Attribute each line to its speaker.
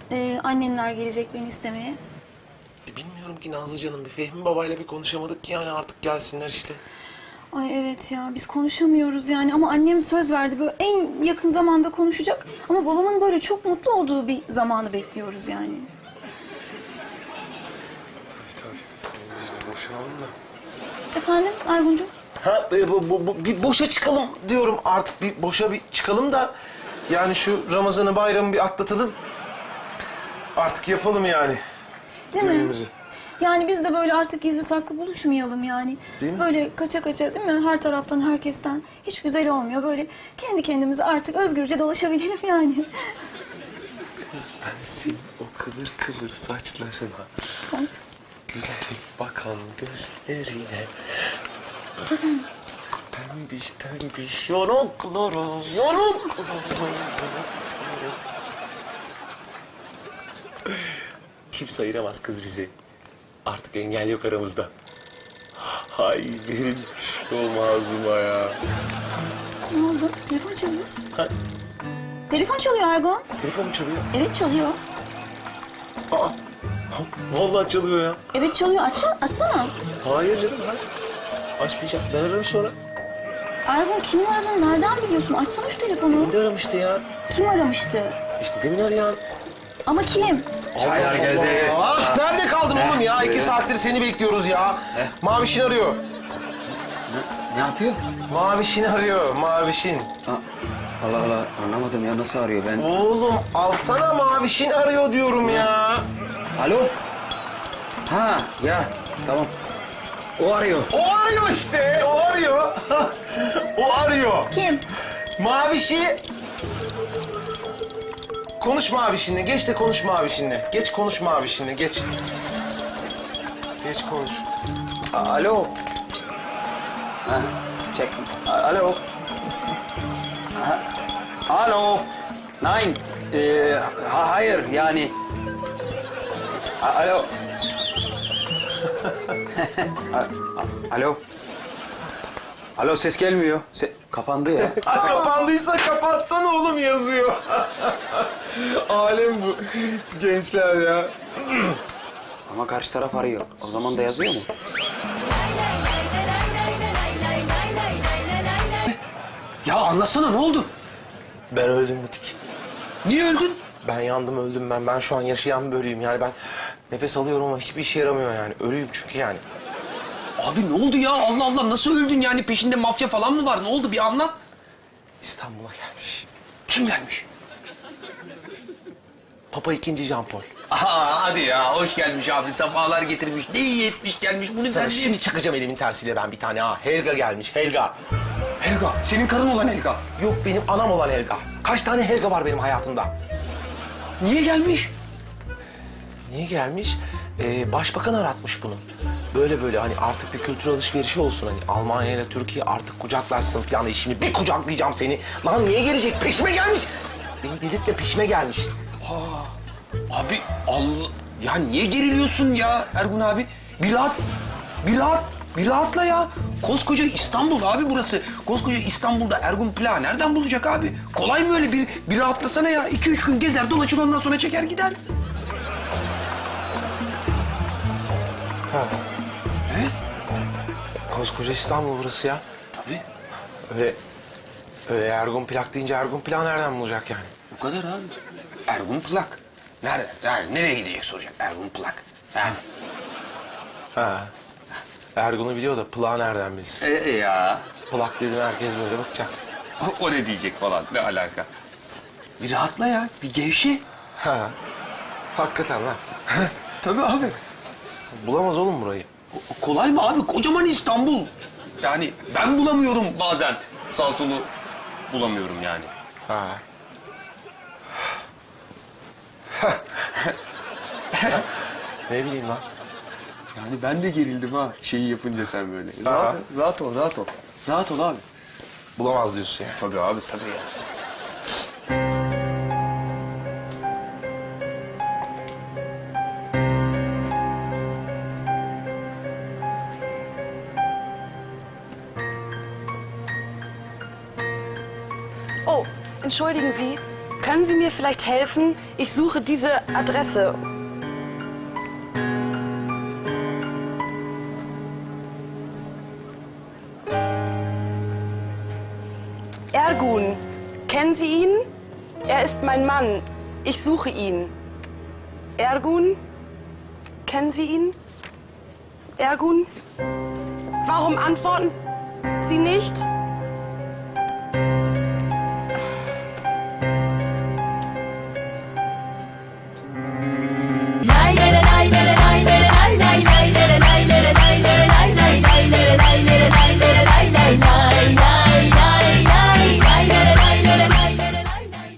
Speaker 1: annenler gelecek beni istemeye.
Speaker 2: Bilmiyorum ki Nazlı canım. Bir Fehmi babayla bir konuşamadık ki yani artık gelsinler işte.
Speaker 1: Ay evet ya biz konuşamıyoruz yani ama annem söz verdi böyle en yakın zamanda konuşacak. Ama babamın böyle çok mutlu olduğu bir zamanı bekliyoruz yani.
Speaker 2: Tabii. Biz bir boşanalım da.
Speaker 1: Efendim Erguncuğum?
Speaker 2: Ha bir boşa çıkalım diyorum artık. Bir boşa bir çıkalım da yani şu Ramazan'ı bayramı bir atlatalım. Artık yapalım yani.
Speaker 1: Değil mi?
Speaker 2: Düğünümüzü.
Speaker 1: Yani biz de böyle artık gizli saklı buluşmayalım yani.
Speaker 2: Değil mi?
Speaker 1: Böyle kaça kaça değil mi? Her taraftan herkesten hiç güzel olmuyor. Böyle kendi kendimize artık özgürce dolaşabilelim yani.
Speaker 2: Kız ben senin o kıvır kıvır saçlarına,
Speaker 1: Konuş.
Speaker 2: gülerek bakan gözlerine, pembiş pembiş yanaklara, Kimse ayıramaz kız bizi. Artık engel yok aramızda. Hay benim şu ağzıma ya.
Speaker 1: Ne oldu? Telefon çalıyor.
Speaker 2: Ha?
Speaker 1: Telefon çalıyor Ergun.
Speaker 2: Telefon mu çalıyor?
Speaker 1: Evet çalıyor.
Speaker 2: Aa, vallahi çalıyor ya.
Speaker 1: Evet çalıyor. Açsana.
Speaker 2: Hayır canım, hayır. Açmayacağım. Ben ararım sonra.
Speaker 1: Ergun kimin aradığını nereden biliyorsun? Açsana şu telefonu.
Speaker 2: Beni de aramıştı ya.
Speaker 1: Kim aramıştı?
Speaker 2: İşte demin arayan.
Speaker 1: Ama kim?
Speaker 3: Çaylar geldi.
Speaker 2: Ah, nerede kaldın oğlum ya? 2 saattir seni bekliyoruz ya. Mavişin arıyor.
Speaker 3: Ne yapıyor?
Speaker 2: Mavişin arıyor, Mavişin.
Speaker 3: Allah Allah anlamadım ya nasıl arıyor ben?
Speaker 2: Oğlum alsana, Mavişin arıyor diyorum ya.
Speaker 3: Alo? Ha ya tamam. O arıyor.
Speaker 2: O arıyor işte, o arıyor. O arıyor.
Speaker 1: Kim?
Speaker 2: Mavişi... Konuş Mavişinle, geç de konuş Mavişinle. Geç konuş Mavişinle, geç. Geç konuş.
Speaker 3: Alo. Ha, çek. Alo. Ha, alo. Nein. Hayır yani. Alo. Alo. Alo ses gelmiyor. Kapandı ya.
Speaker 2: Ha, kapandıysa kapatsana oğlum yazıyor. Alem bu. Gençler ya.
Speaker 3: Ama karşı taraf arıyor. O zaman da yazıyor mu? Ya anlatsana ne oldu?
Speaker 2: Ben öldüm Mutik.
Speaker 3: Niye öldün?
Speaker 2: Ben yandım, öldüm ben. Ben şu an yaşayan bir ölüyüm. Yani ben nefes alıyorum ama hiçbir işe yaramıyor yani. Ölüyüm çünkü yani.
Speaker 4: Abi ne oldu ya? Allah Allah nasıl öldün yani? Peşinde mafya falan mı var? Ne oldu? Bir anlat.
Speaker 2: İstanbul'a gelmiş.
Speaker 4: Kim gelmiş?
Speaker 2: Papa II. Jean Paul.
Speaker 4: Aha hadi ya. Hoş gelmiş abi. Sefalar getirmiş. Ne iyi etmiş gelmiş. Bunu
Speaker 2: Sana
Speaker 4: sen
Speaker 2: şimdi çakacağım elimin tersiyle ben bir tane ha. Helga gelmiş, Helga.
Speaker 4: Helga. Senin karın olan Helga.
Speaker 2: Yok, benim anam olan Helga. Kaç tane Helga var benim hayatımda?
Speaker 4: Niye gelmiş?
Speaker 2: Niye gelmiş? Başbakan aratmış bunu. Böyle hani artık bir kültür alışverişi olsun hani. Almanya ile Türkiye artık kucaklaşsın falan diye. Şimdi bir kucaklayacağım seni. Lan niye gelecek? Peşime gelmiş. Beni delirtme, peşime gelmiş.
Speaker 4: Abi Allah. Ya niye geriliyorsun ya Ergun abi? Bir rahat. Bir rahat. Bir rahatla ya. Koskoca İstanbul abi burası. Koskoca İstanbul'da Ergun Plak'ı nereden bulacak abi? Kolay mı öyle? Bir rahatlasana ya. 2-3 gün gezer dolaşır ondan sonra çeker gider.
Speaker 2: Ha.
Speaker 4: Evet.
Speaker 2: Koskoca İstanbul burası ya.
Speaker 4: Tabii.
Speaker 2: Öyle Ergun Plak deyince Ergun Plak nereden bulacak yani?
Speaker 4: Bu kadar abi. Ergun Plak. Nerede? Yani nereye gidecek soracak Ergun Plak. Ha.
Speaker 2: Ha. Ergun'u biliyor da Plak nereden bilsin?
Speaker 4: Ya.
Speaker 2: Plak dedim herkes böyle bakacak.
Speaker 4: O ne diyecek falan. Ne alaka? Bir rahatla ya. Bir gevşe.
Speaker 2: Ha. Hakikaten lan.
Speaker 4: Tabii abi.
Speaker 2: Bulamaz oğlum burayı.
Speaker 4: Kolay mı abi? Kocaman İstanbul. Yani ben bulamıyorum bazen. Sağ solu bulamıyorum yani.
Speaker 2: Ha. Ne bileyim lan.
Speaker 4: Yani ben de gerildim ha şeyi yapınca sen böyle.
Speaker 2: Rahat-
Speaker 4: rahat ol, rahat ol. Rahat ol abi.
Speaker 2: Bulamaz diyorsun yani.
Speaker 4: Tabii abi, tabii ya.
Speaker 5: Oh, entschuldigen Sie. können Sie mir vielleicht helfen? Ich suche diese Adresse. Ergun, kennen Sie ihn? Er ist mein Mann. Ich suche ihn. Ergun, kennen Sie ihn? Ergun? Warum antworten Sie nicht?